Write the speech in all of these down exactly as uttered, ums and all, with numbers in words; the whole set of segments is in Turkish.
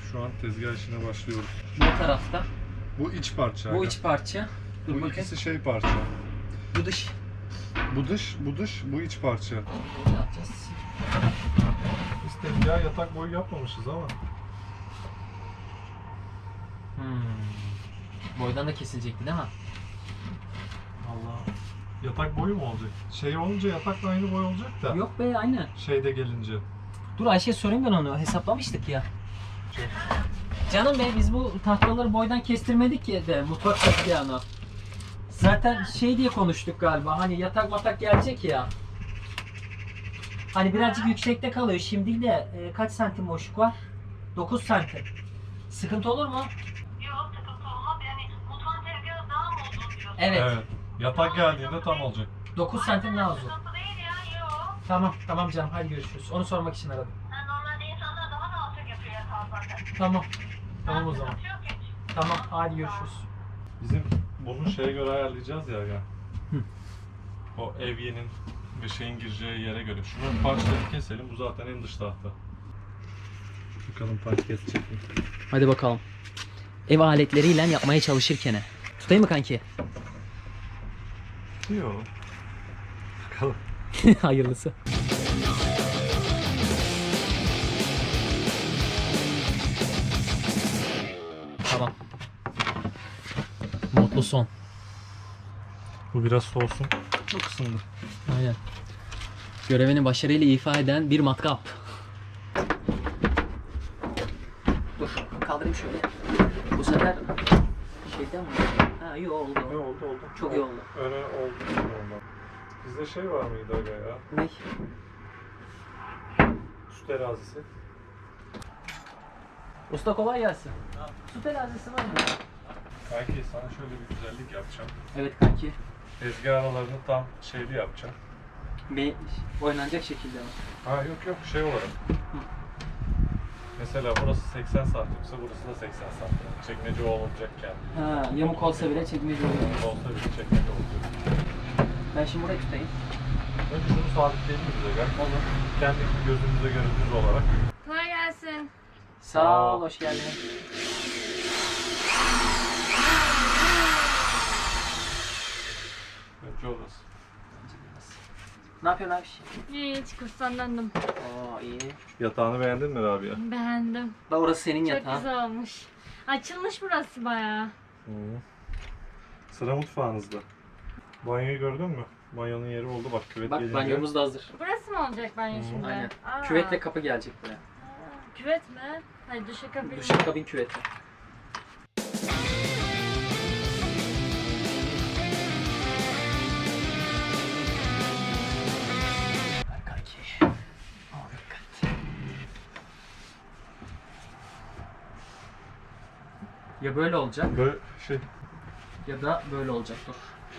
Şu an tezgah işine başlıyoruz. Bu tarafta. Bu iç parça. Bu aga. iç parça. Dur Bu bakayım. ikisi şey parça. Bu dış. Bu dış, bu dış, bu iç parça. Ne yapacağız? Biz tezgah yatak boyu yapmamışız ama. Hmm. Boydan da kesilecekti değil mi? Allah. Yatak boyu mu olacak? Şey olunca yatakla aynı boy olacak da. Yok be aynı. Şeyde gelince. Dur Ayşe'ye sorayım ben onu. Hesaplamıştık ya. Canım bey biz bu tahtaları boydan kestirmedik ya de mutfak tezgahını. Zaten şey diye konuştuk galiba. Hani yatak matak gelecek ya. Hani birazcık yüksekte kalıyor. Şimdi de e, kaç santim boşluk var? dokuz santim. Sıkıntı olur mu? Yok sıkıntı olmaz yani mutfağın tezgahı daha mı uzun diyorsun? Evet. Evet. Yatak geldiğinde tam olacak. dokuz santim daha uzun. Sıkıntı değil ya yok. Tamam tamam canım hadi görüşürüz. Onu sormak için aradım. Yani normalde insanlar daha da alçak yapıyor yatağı zaten. Tamam. Tamam o zaman. Sıkıntı yok hiç. Tamam hadi görüşürüz. Bizim bunu şeye göre ayarlayacağız ya. ya. O evyenin ve şeyin gireceği yere göre. Şunun parçalarını keselim. Bu zaten en dış tahta. Bakalım parça kesecek mi? Hadi bakalım. Ev aletleriyle yapmaya çalışırken. Tutayım mı kanki? Yok. Bakalım. Hayırlısı. Tamam. Mutlu son. Bu biraz soğusun. Çok ısındı. Aynen. Görevini başarıyla ifa eden bir matkap. Dur kaldırayım şöyle. Bu sefer şeyden mi? Ha iyi oldu. Ne oldu oldu? Çok iyi oldu. Öne oldu. Oldu. Bizde şey var mıydı aga ya? Ne? Su terazisi. Usta kolay gelsin. Su terazisi var mı? Kanki sana şöyle bir güzellik yapacağım. Evet kanki. Tezgah aralarını tam şeyli yapacağım. Bir oynanacak şekilde mi? Ha yok yok şey olarak. Mesela burası seksen santimse burası da seksen santim. Çekmece olacakken. Ha, yamuk olsa bile çekmece oluyor. Olsa bir çekmece olacak. Ben şimdi burayı tutayım. Önce şunu sabitleyelim bize gel. Olur. Kendi gözümüze göre düz olarak. Kolay gelsin. Sağ ol, hoş geldin. Önce orası. Ne yapıyorsun abi? Hiç kurstan döndüm. Oo iyi. Yatağını beğendin mi Rabia? Beğendim. Da orası senin Çok yatağın. güzel olmuş. Açılmış burası bayağı. Hı. Sıra mutfağınızda. Banyoyu gördün mü? Banyonun yeri oldu bak küvet Bak gelince. banyomuz da hazır. Burası mı olacak banyo Hı, şimdi? Aynen. Aa. Küvetle kapı gelecek buraya. Aa, küvet mi? Hayır duşakabin. Duşakabin küveti. Ver kanki. Al dikkat. Ya böyle olacak Böyle şey ya da böyle olacak. Dur.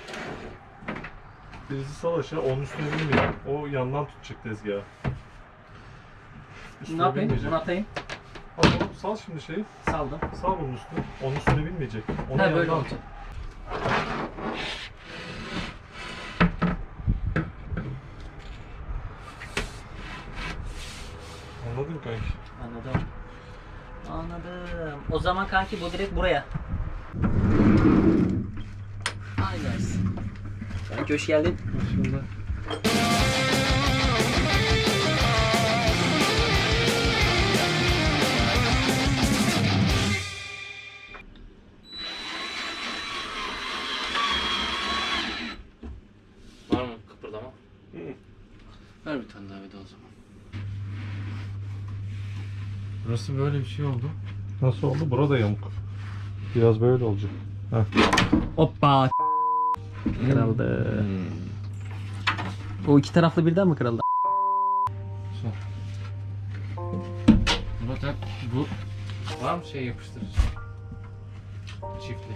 birisi sal aşağı onun üstüne binmeyecek. O yandan tutacak tezgahı. Üstüne Ne yapayım? binmeyecek. Bunu atayım. Al oğlum, sal şimdi şeyi. Saldım. Sal bunun üstüne. Onun üstüne binmeyecek. Onu Ha böyle yandan olacak. Anladın mı kanki? Anladım. Anladım. O zaman kanki bu direkt buraya. Aynen. Kanki hoş geldin. Şimdi. Var mı kıpırdama? Hı. Ver bir tane daha bir de o zaman. Burası böyle bir şey oldu. Nasıl oldu? Burada yamuk. Biraz böyle olacak. Heh. Hoppa. Kırıldı. O iki taraflı birden mi kırıldı? Murat hep bu var mı şey yapıştırıcı? Çiftli.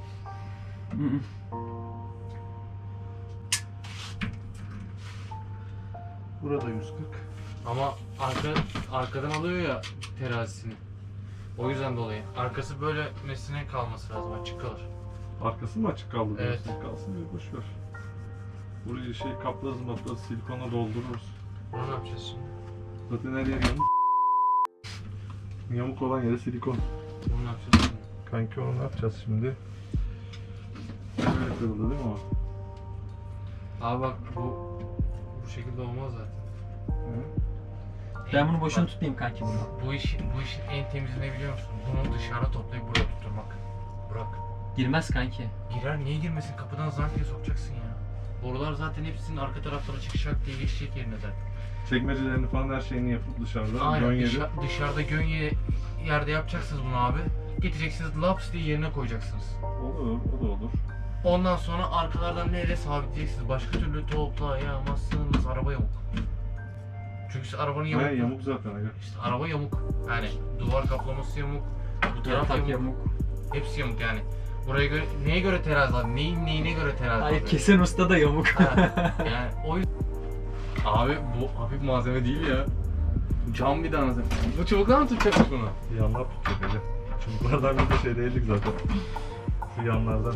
Burada yüz kırk. Ama arka arkadan alıyor ya terazisini. O yüzden dolayı. Arkası böyle mesine kalması lazım, açık kalır. Arkası mı açık kaldı? Evet. diyorsun? Kalsın bir boş ver. Burayı şey kaplarız maplarız silikonla doldururuz. Bunu ne yapacağız şimdi? Zaten her yer yanık. Yamuk olan yere silikon. Bunu ne yapacağız şimdi? Kanki onu ne yapacağız şimdi? Böyle kırıldı değil mi o? Abi bak bu bu şekilde olmaz zaten. Hı? Ben bunu boşuna tutmayayım kanki bunu. Bu işin bu işin en temizi ne biliyor musun? Bunu dışarı toplayıp buraya tutturmak. Bırak. Girmez kanki. Girer niye girmesin? Kapıdan zank diye sokacaksın ya. Borular zaten hepsinin arka taraflara çıkacak diye geçecek yerine zaten. Çekmecelerini falan her şeyini yapıp dışarıda. Aynen Gönyeli. dışa- dışarıda gönye yerde yapacaksınız bunu abi. Getireceksiniz laps diye yerine koyacaksınız. Olur, o da olur. Ondan sonra arkalardan neyle sabitleyeceksiniz? Başka türlü toplayamazsınız. Araba yamuk. Çünkü siz arabanın yamuk. He, yamuk zaten aga. İşte araba yamuk. Yani duvar kaplaması yamuk. Bu taraf Yatak yamuk. yamuk. Hepsi yamuk yani. Buraya göre neye göre terazi abi? Neyin neyine göre terazi Hayır abi? kesen usta da yamuk. Ha, yani o yüzden- Abi bu hafif malzeme değil ya. Cam bir tanesi. Bu çubuklar mı tutacakmış bunu? Yanlar tutacak aga. Çubuklardan bir de şey değildik zaten. Şu yanlardan.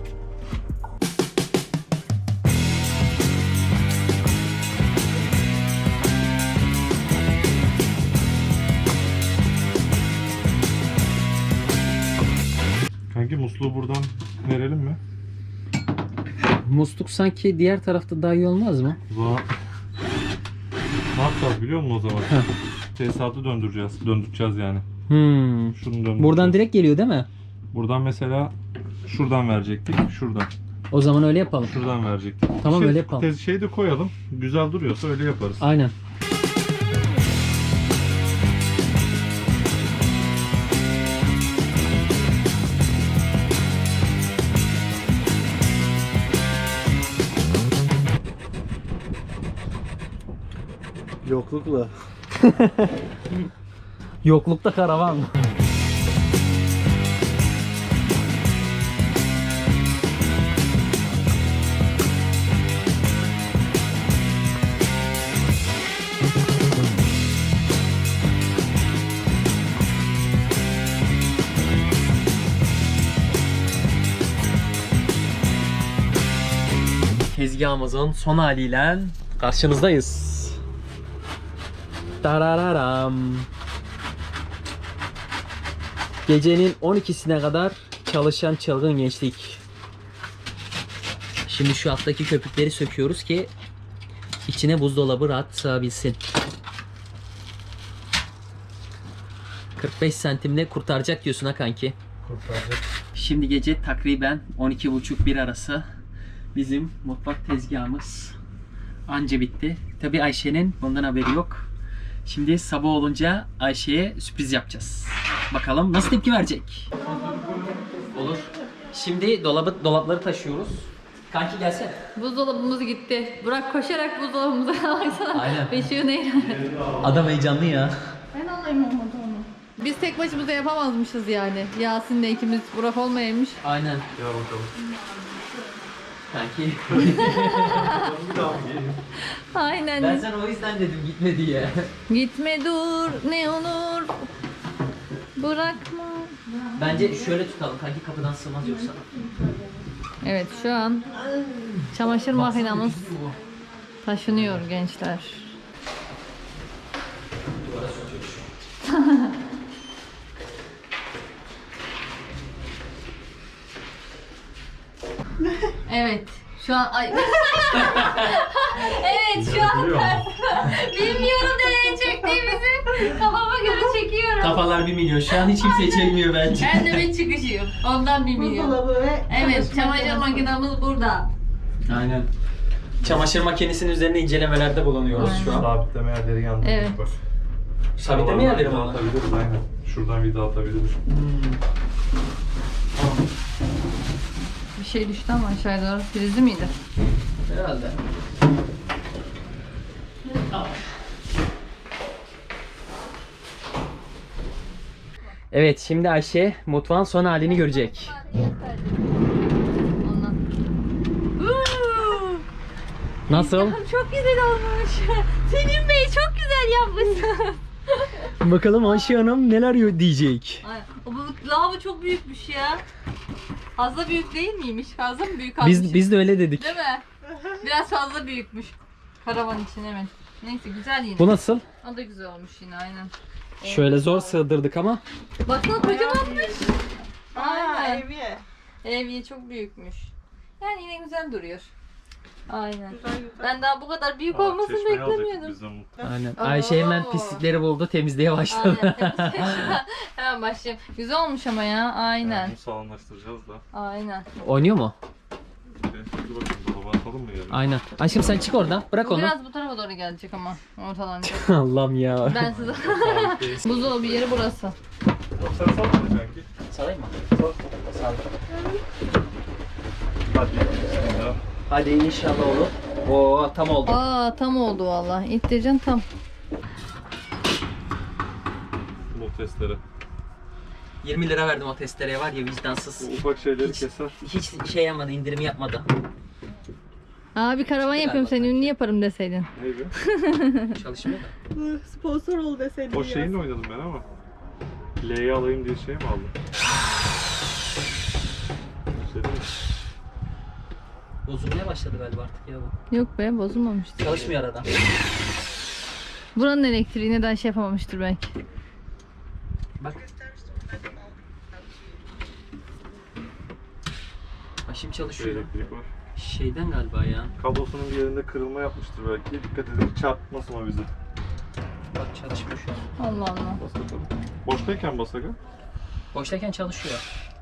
Kanki musluğu buradan verelim mi? Musluk sanki diğer tarafta daha iyi olmaz mı? O zaman ne yapacağız biliyor musun o zaman? Heh. Tesisatı döndüreceğiz. Döndüreceğiz yani. Hmm. Şunu döndüreceğiz. Buradan direkt geliyor değil mi? Buradan mesela şuradan verecektik. Şuradan. O zaman öyle yapalım. Şuradan verecektik. Tamam, Şey- öyle yapalım. tez- Şeyi de koyalım. Güzel duruyorsa öyle yaparız. Aynen. Yoklukla. Yoklukta karavan. Tezgahımızın son haliyle karşınızdayız. Tarararam. Gecenin on ikisine kadar çalışan çılgın gençlik. Şimdi şu alttaki köpükleri söküyoruz ki içine buzdolabı rahat sığabilsin. kırk beş santimle kurtaracak diyorsun ha kanki. Kurtaracak. Şimdi gece takriben on iki buçuk bir arası bizim mutfak tezgahımız anca bitti. Tabi Ayşe'nin bundan haberi yok. Şimdi sabah olunca Ayşe'ye sürpriz yapacağız. Bakalım nasıl tepki verecek. Olur. Şimdi dolabı dolapları taşıyoruz. Kanki gelsene. Buzdolabımız gitti. Burak koşarak buzdolabımıza baksana. Aynen. Beşiği neyle? Adam heyecanlı ya. Ben alayım olmadı onu. Biz tek başımıza yapamazmışız yani. Yasin'le ikimiz Burak olmayaymış. Aynen. Gel bakalım. Kanki. Bir daha mı geleyim? Aynen. Ben sana o yüzden dedim gitme diye. Gitme dur ne olur. Bırakma. Bence şöyle tutalım kanki, kapıdan sığmaz yoksa. Evet şu an çamaşır makinamız Baksana, güçlü bu. taşınıyor gençler. Duvara sürtüyor. Evet. Şu an ay. Evet şu an Biliyor musun? bilmiyorum nereye çektiğimizi. Kafama göre çekiyorum. Kafalar bir milyon. Şu an hiç kimse çekmiyor bence. Ben de bir çıkışıyım. Ondan bilmiyorum. Evet, çamaşır makinamız burada. Aynen. Çamaşır makinesinin üzerinde incelemelerde bulunuyoruz şu an. Sabitleme yerleri yandı. Evet. Bak. Sabitleme yerleri mi Vida onlar? atabiliriz aynen. Şuradan vida atabiliriz. Hmm. Tamam. Bir şey düştü ama aşağıya doğru. Prizli miydi? Herhalde. Evet, şimdi Ayşe mutfağın son halini görecek. Ondan. Nasıl? Çok güzel olmuş. Selim Bey çok güzel yapmışsın. Bakalım Ayşe Hanım neler diyecek. Ay, bu lavabo çok büyükmüş ya. Fazla büyük değil miymiş? Fazla mı büyük almışım? Biz biz de öyle dedik. Değil mi? Biraz fazla büyükmüş. Karavan için evet. Neyse güzel yine. Bu nasıl? O da güzel olmuş yine aynen. Şöyle zor sığdırdık ama. Baksana kocamanmış. Aa, Aynen. Evye. Evye çok büyükmüş. Yani yine güzel duruyor. Aynen. Güzel güzel. Ben daha bu kadar büyük Aa, olmasını çeşmeyi alacaktık beklemiyordum. biz de mutlu. Aynen. Oo. Ayşe hemen pislikleri buldu, temizliğe başladı. Aynen. Hemen başlayayım. Güzel olmuş ama ya. Aynen. Yani bunu sağlamlaştıracağız da. Aynen. Oynuyor mu? Bir dur bakayım dolaba atalım mı yarın? Aynen. Aşkım sen çık oradan. Bırak Bu onu. biraz bu tarafa doğru gelecek ama ortalanacak. Allah'ım ya. Ben size... Buzdolabı yeri burası. Yok sen salmayacaksın ki. Salayım mı? Sal. Sal. Hadi. Bismillah. Hadi inşallah olur. Oo tam oldu. Aa tam oldu valla. İttireceksin tam. Bu testleri. yirmi lira verdim o testereye var ya vicdansız. Bu ufak şeyleri Hiç, keser. hiç şey yapmadı, indirim yapmadı. Abi karavan yapıyorum seni ünlü yaparım deseydin. Neydi? Çalışmıyor da. Sponsor ol deseydin. O ya. şeyinle oynadım ben ama. L'yi alayım diye şey mi aldım? Şey değil mi? Bozulmaya başladı galiba artık ya bu. Yok be bozulmamıştır. Çalışmıyor arada. Buranın elektriği neden şey yapamamıştır belki. Bak. Başım Şey, çalışıyor. elektrik var. Şeyden galiba ya. Kablosunun bir yerinde kırılma yapmıştır belki. Dikkat edin çarpmasın o bizi. Bak çalışmıyor şu an. Allah Allah. Bas bakalım. Boştayken bas aga. Boştayken çalışıyor.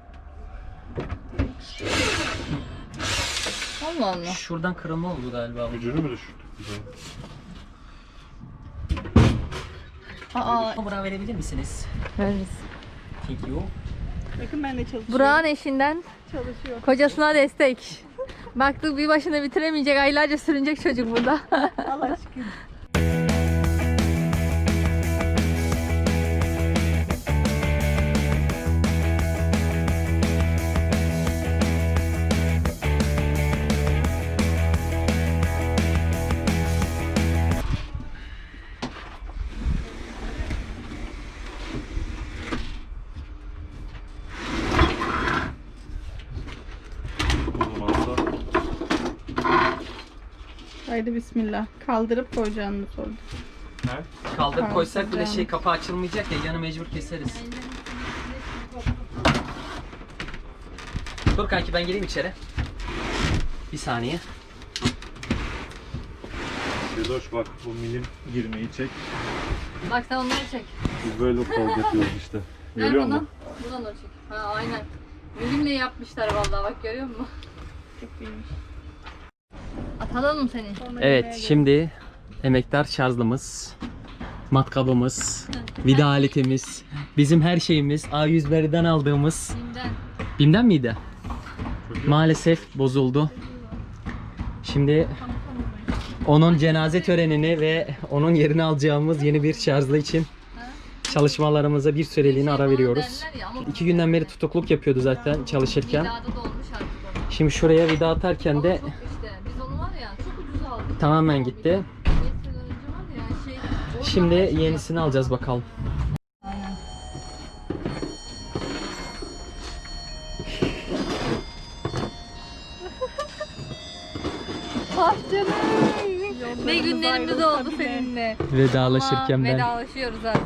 Allah Allah. Şuradan kırılma oldu galiba. bu. Gücünü mü düşürdük bize? Aa Burak'a verebilir misiniz? veririz. Thank you. Bakın ben de çalışıyorum. Burak'ın eşinden Çalışıyor. kocasına destek. Baktık bir başına bitiremeyecek, aylarca sürünecek çocuk burada. Allah aşkına. O zaman da Haydi bismillah. Kaldırıp koyacağını sordu. ne? Kaldırıp koysak bile Kaldıracağım. şey kapı açılmayacak ya yanı mecbur keseriz. Dur kanki ben gireyim içeri. Bir saniye. Sedoş bak bu milim girmeyi çek. Bak sen onları çek. Biz böyle kol yapıyoruz işte. Ver Görüyor buradan. musun? Buradan da çek. Ha aynen. Milimle yapmışlar vallahi bak görüyor musun? Çok iyiymiş. Atalım mı seni? Sonra Evet yemeğe şimdi emektar şarjlımız, matkabımız, vida aletimiz, bizim her şeyimiz A yüz Berry'den aldığımız. Bim'den. Bim'den miydi? Maalesef bozuldu. Şimdi onun cenaze törenini ve onun yerini alacağımız yeni bir şarjlı için çalışmalarımıza bir süreliğine ara veriyoruz. Derler ya ama İki günden beri tutukluk yapıyordu zaten çalışırken. vidada da olmuş artık o. Şimdi şuraya vida atarken Ama de çok işte biz onu var ya çok ucuz aldık. tamamen gitti. beş sene önce var ya şey. o Şimdi zaman şey yenisini alacağız bakalım. Aynen. Ah canım. Ne günlerimiz ayrılsa oldu bile. seninle. Vedalaşırken Ama ben. vedalaşıyoruz artık.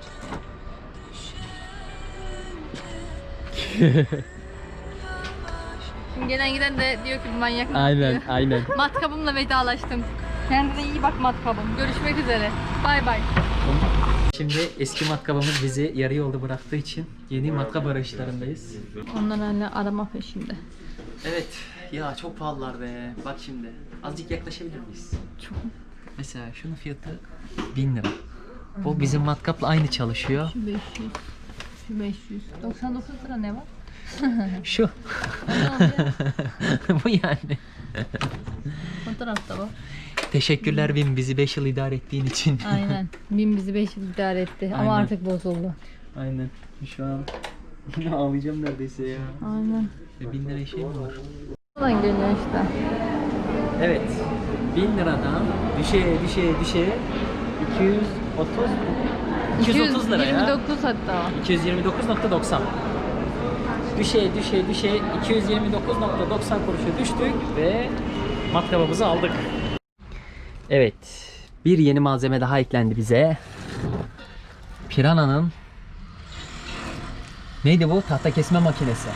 Şimdi gelen giden de diyor ki bu manyak mı Aynen diyor. aynen. Matkabımla vedalaştım. Kendine iyi bak matkabım. Görüşmek üzere. Bay bay. Şimdi eski matkabımız bizi yarı yolda bıraktığı için yeni matkap arayışlarındayız. Onlar hala arama peşinde. Evet ya çok pahalılar be. Bak şimdi azıcık yaklaşabilir miyiz? Çok. Mesela şunun fiyatı bin lira. Bu bizim matkapla aynı çalışıyor. Şu beş yüz. Şu beş yüz. doksan dokuz lira ne var? Şu. Ne olacak? Bu yani. Fotoğrafta bu. Teşekkürler Bim bizi beş yıl idare ettiğin için. Aynen. Bin bizi beş yıl idare etti. Aynen. Ama artık bozuldu. Aynen. Şu an ağlayacağım neredeyse ya. Aynen. E, bin lira şey mi var? Buradan geliyor işte. Evet. bin liradan düşe düşe düşe iki yüz otuz iki yüz otuz lira ya. yirmi dokuz hatta. iki yüz yirmi dokuz nokta doksan. Düşe düşe düşe iki yüz yirmi dokuz nokta doksan kuruşa düştük ve matkabımızı aldık. Evet. Bir yeni malzeme daha eklendi bize. Piranha'nın neydi bu? Tahta kesme makinesi.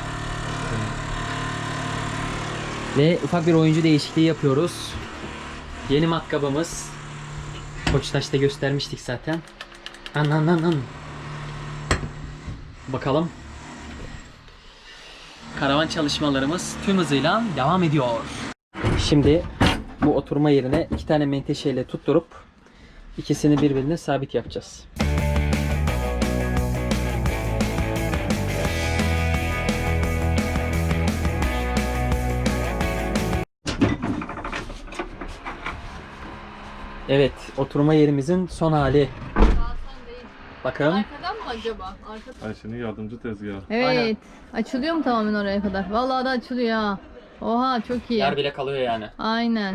Ve ufak bir oyuncu değişikliği yapıyoruz. Yeni matkabımız. Koçtaş'ta göstermiştik zaten. Anan anan. Bakalım. Karavan çalışmalarımız tüm hızıyla devam ediyor. Şimdi bu oturma yerine iki tane menteşeyle tutturup ikisini birbirine sabit yapacağız. Evet, oturma yerimizin son hali. Bakın. Arkadan mı acaba? Arkadan. Ayşe'nin yardımcı tezgahı. Evet. Aynen. Açılıyor mu tamamen oraya kadar? Vallahi da açılıyor ha. Oha çok iyi. Yer bile kalıyor yani. Aynen.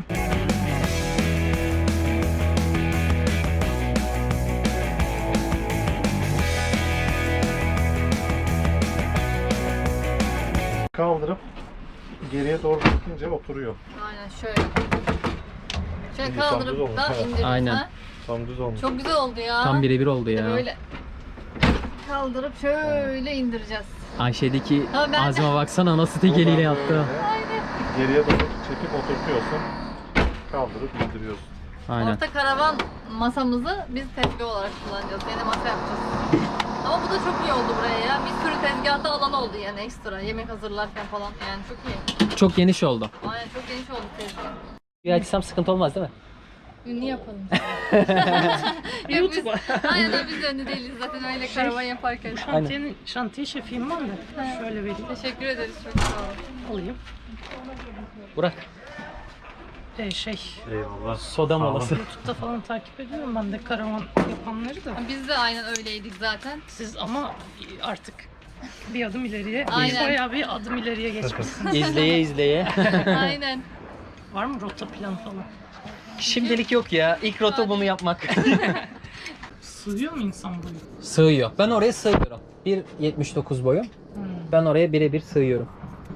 Kaldırıp geriye doğru çekince oturuyor. Aynen şöyle. Şöyle İyi, tam düz kaldırıp olmuş, da evet. indiririz Aynen. ha. Tam düz olmuş. Çok güzel oldu ya. Tam birebir oldu ya. Böyle kaldırıp şöyle indireceğiz. Ayşe'deki Ha, ben- azime baksana nasıl tek eliyle yaptı. Geriye doğru çekip oturtuyorsun. Kaldırıp indiriyorsun. Aynen. Orta karavan masamızı biz tezgah olarak kullanacağız. Yine masa yapacağız. Ama bu da çok iyi oldu buraya ya. Bir sürü tezgahta alan oldu yani ekstra. Yemek hazırlarken falan yani çok iyi. Çok geniş oldu. Aynen çok geniş oldu tezgah. Bir açsam sıkıntı olmaz değil mi? Ünlü yapalım. Yok biz, aynen öyle, biz de ünlü değiliz zaten öyle karavan yaparken. Şantiyenin, şantiye şefiyim ben de. Şöyle vereyim. Teşekkür ederiz çok sağ olun. Alayım. Burak. Ee, şey, Eyvallah. Soda molası. YouTube'da falan takip ediyorum ben de karavan yapanları da. Biz de aynen öyleydik zaten. Siz ama artık bir adım ileriye, Aynen. bayağı bir adım ileriye geçmişsiniz. İzleye izleye. Aynen. Var mı rota planı falan? Şimdilik yok ya. İlk rota bunu yapmak. Sığıyor mu insan boyu? Sığıyor. Ben oraya sığıyorum. bir yetmiş dokuz boyum. Hmm. Ben oraya birebir sığıyorum.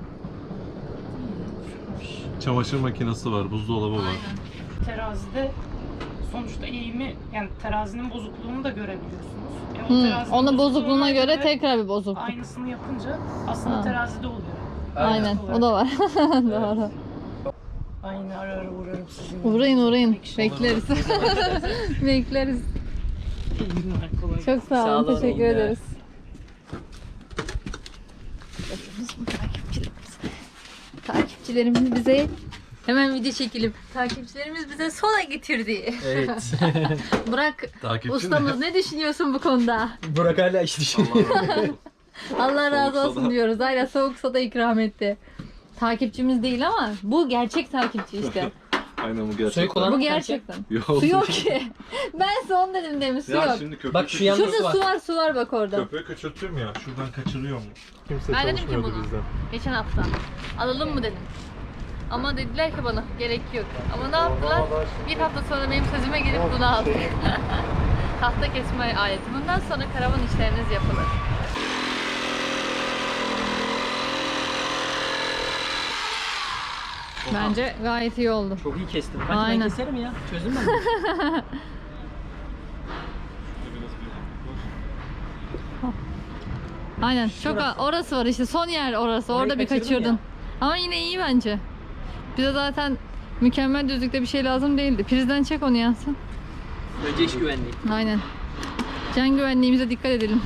Çamaşır makinesi var, buzdolabı var. Terazide sonuçta eğimi, yani terazinin bozukluğunu da görebiliyorsunuz. E, o Hmm, terazinin onun bozukluğuna bozukluğuna göre tekrar bir bozukluk. aynısını yapınca aslında Ha. terazide oluyor. Aynen. O da var. Doğru. Aynı ara ara uğrarım sizinle. Uğrayın uğrayın. Peki, Bekleriz. Bekleriz. İyi günler, kolay gelsin. Çok sağ Sağ olun. olun, Teşekkür iyi ederiz. Takipçilerimiz bize hemen video çekelim. Takipçilerimiz bize soda getirdi. Evet. Burak Takipçi ustamız ne düşünüyorsun bu konuda? Burak hala iş düşünüyor. Allah razı Soğuk olsun soda. diyoruz. Aynen soğuk soda ikram etti. Takipçimiz değil ama bu gerçek takipçi işte. Aynen bu gerçekten. Suyu kullan- Bu gerçekten. Yok. Su yok ki. Ben son dedim demin su Ya yok. şimdi köpüğü, Bak şu yan- Şurada var. su var su var bak orada. köpüğü küçülttüm ya. Şuradan kaçırıyor mu? Kimse Ben dedim ki çalışmıyordu bunu. bizden. Geçen hafta. Alalım mı dedim. Ama dediler ki bana gerek yok. Ama ne yaptılar? Bir hafta sonra benim sözüme gelip bunu aldık. Tahta kesme aleti. Bundan sonra karavan işleriniz yapılır. Bence gayet iyi oldu. Çok iyi kestim. Belki Aynen. ben keserim ya. Çözdüm ben. Aynen. Çok Şurası. orası var işte son yer orası. Orayı Orada bir kaçırdın kaçırdın. ya. Ama yine iyi bence. Bize zaten mükemmel düzlükte bir şey lazım değildi. Prizden çek onu Yansın. Önce iş güvenliği. Aynen. Can güvenliğimize dikkat edelim.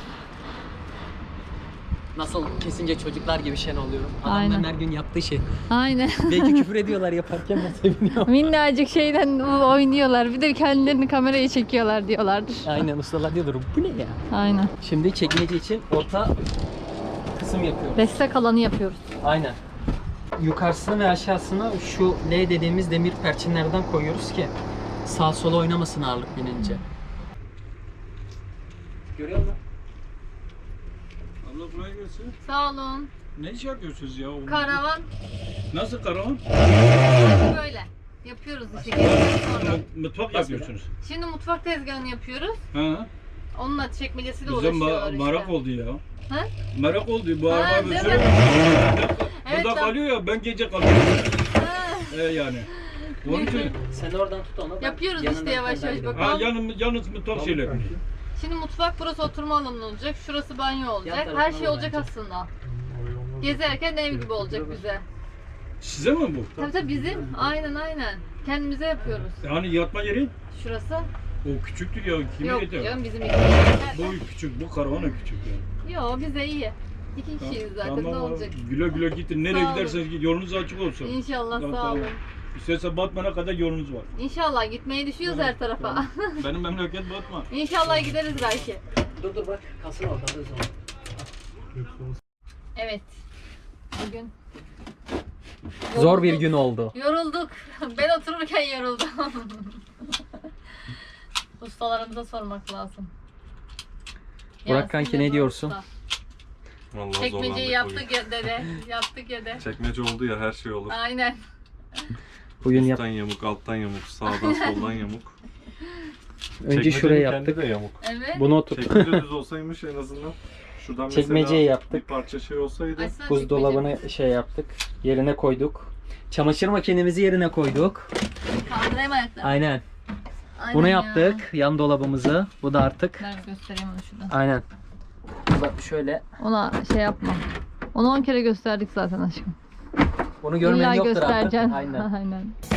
Nasıl kesince çocuklar gibi şen oluyorum. Adamların Aynen. her gün yaptığı şey. Aynen. Belki küfür ediyorlar yaparken ben seviniyorum. Minnacık şeyden oynuyorlar. Bir de kendilerini kameraya çekiyorlar diyorlardır. Aynen ustalar diyordur. Bu ne ya? Aynen. Şimdi çekmece için orta kısım yapıyoruz. Destek alanı yapıyoruz. Aynen. Yukarısını ve aşağısını şu L dediğimiz demir perçinlerden koyuyoruz ki sağ sola oynamasın ağırlık binince. Görüyor musun? Abla kolay gelsin. Sağ olun. Ne iş yapıyorsunuz ya? Onu- Karavan Nasıl karavan? böyle. Yapıyoruz işte. Geçtikten sonra. Mutfak yapıyorsunuz. Şimdi mutfak tezgahını yapıyoruz. Ha? Onunla çekmecesiyle Bize uğraşıyorlar ma- işte. merak oldu ya. Ha? Merak oldu. Bu Ha, araba bir değil süre mi? Evet, burada ben- kalıyor ya, ben gece kalıyorum. Ha, Ee, yani. Onun için Sen de oradan tut onu. ben Yapıyoruz yanından işte yavaş yukarıdan yavaş gidiyorum. bakalım. ha, yanım, yalnız mutfak şeyleri. Şimdi mutfak burası oturma alanı olacak. Şurası banyo olacak. tarafına Her şey da olacak bence. aslında. Gezerken ev gibi olacak bize. Size mi bu? Tabii tabii bizim. Aynen aynen. Kendimize yapıyoruz. Yani yatma yeri Şurası. o küçüktür ya. Kime Yok yeter? canım bizim iki. Bu küçük, bu karavana küçük yani. Yok bize iyi. İki kişiyiz zaten Tamam ne abi. olacak? Güle güle gidin. Nereye Sağ olun. giderseniz gidin. Yolunuz açık olsun. İnşallah Tamam, sağ tamam. olun. İsterse Batman'a kadar yolunuz var. İnşallah gitmeyi düşüyoruz her tarafa. Tamam. Benim memleket Batman. İnşallah gideriz belki. Dur dur bak kalsın orada alırız onu. Evet. Bugün Zor bir yorulduk. gün oldu. Yorulduk. Ben otururken yoruldum. Ustalarımıza sormak lazım. Burak Yasin kanki de ne Burak diyorsun? Usta. Vallahi Çekmeceyi zorlandık yaptık ya dede. Yaptık ya de. bugün. Çekmece oldu ya her şey olur. Aynen. Bugün yap. Üstten yamuk, alttan yamuk, sağdan soldan yamuk. Önce Çekmecenin şuraya kendi yaptık. de yamuk. Evet. Bunu otur. Çekmece düz olsaymış en azından. Şuradan Çekmeceyi mesela yaptık. bir parça şey olsaydı. Açsana Buzdolabını şey yaptık. Yerine koyduk. Çamaşır makinemizi yerine koyduk. çekmeceyi. Kaldırayım ayaklarını. Aynen. Aynen Bunu ya. yaptık. Yan dolabımızı. Bu da artık. Ver göstereyim onu şuradan. Aynen. Bak şöyle. Ona şey yapma. Onu on kere gösterdik zaten aşkım. Bunu görmeyen İlla yoktur artık. göstereceksin. Aynen. Aynen.